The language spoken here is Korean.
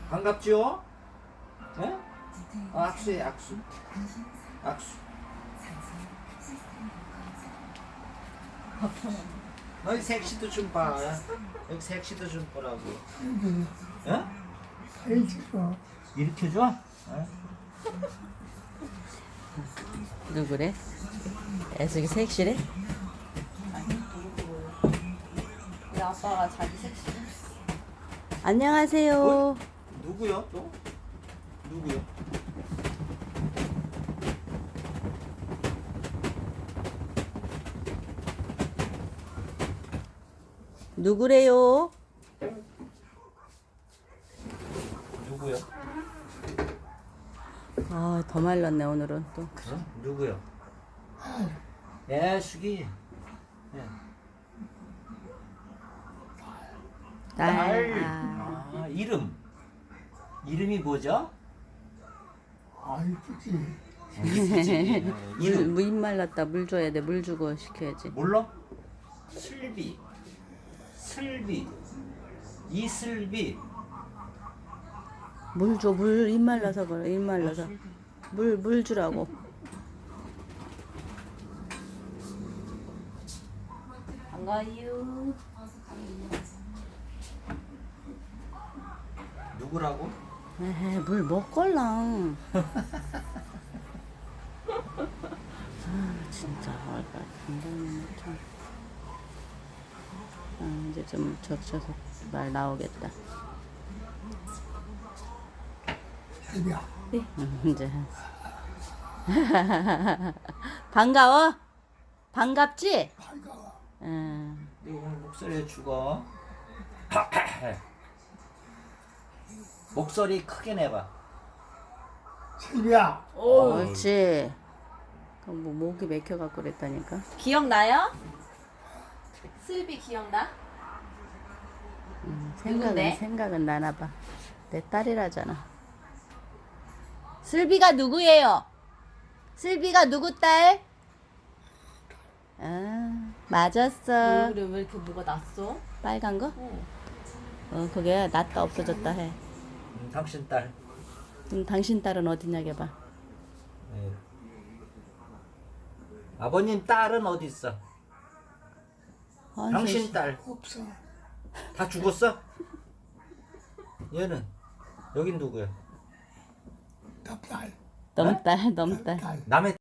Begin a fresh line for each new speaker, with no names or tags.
반갑지요? 예? 악수해, 악수. 악수. 너희 색시도 좀 봐. 여기 색시도 좀 보라고. 예?
해주고
이렇게 줘?
누구래? 애석이 섹시래?
우리 아빠가 자기 섹시.
안녕하세요.
누구요 또? 누구요?
누구래요?
누구요?
아, 더 말랐네 오늘은 또.
어? 누구요? 예, 수기. 예.
딸.
아, 이름. 이름이 뭐죠?
아이쁘지.
이름.
물 말랐다. 물 줘야 돼. 물 주고 시켜야지.
몰라? 슬비. 슬비. 이슬비.
물 줘. 물 입 말라서 그래. 입 말라서. 물 주라고.
반가워요.
누구라고?
에헤, 물 먹걸랑. 진짜 얼마 단단히 참. 이제 좀 적셔서 말 나오겠다.
해비야.
이제 반가워? 반갑지?
반가워.
응.
네 오늘 목소리 죽어. 목소리 크게 내봐.
해비야.
옳지. 그럼 뭐 목이 맥혀갖고 그랬다니까.
기억나요? 슬비 기억나? 누군데?
생각은 나나 봐. 내 딸이라잖아. 슬비가 누구예요? 슬비가 누구 딸? 아, 맞았어.
얼굴에 왜 이렇게 뭐가 났어?
빨간 거? 그게 낫다 없어졌다 해.
당신 딸.
당신 딸은 어디냐 봐.
예. 아버님 딸은 어디 있어? 당신 딸.
없어.
다 죽었어? 얘는 여긴 누구야?
납달.
넘딸.
딸.
남의